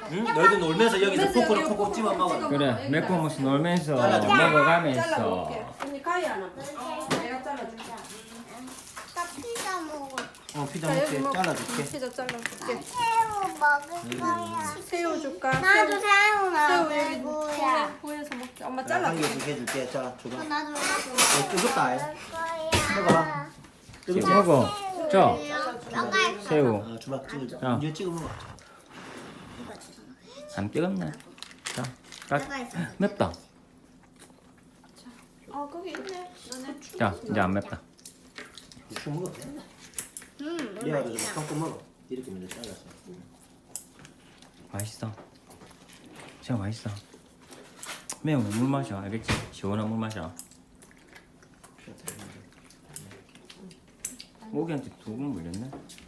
응? 너희들 놀면서 여기서 놀면서 포크로 여기 콕콕 집어 먹어. 찍어 그래 매콤무스 놀면서 잘라줄게. 먹어가면서 잘라볼게. 언니 가위 하나. 내가 잘라줄게. 나 피자 먹을. 피자 자, 여기 먹게 먹- 잘라줄게. 피자 잘라줄게. 새우 먹을 거야. 새우 줄까? 나도 새우 새우 여기 먹을 거야. 구해서 먹자. 엄마 한 잘라줄게. 개씩 해줄게. 자, 줘봐. 나도 뜨겁다. 먹을 거야. 먹어봐. 지금 뜨겁지? 먹어 저 먹을 새우 아, 줘봐. 찍어. 자. 이제 찍어 먹어. 안 뜨겁네 자 맵다 아 거기 있네. 너네. 자 이제 안 맵다 대충 먹어도 돼. 얘가도 좀 섞어 먹어. 이렇게 먼저 잘라서. 맛있어 진짜 맛있어 매운 물 마셔 알겠지? 시원한 물 마셔 모기한테 2번 물렸네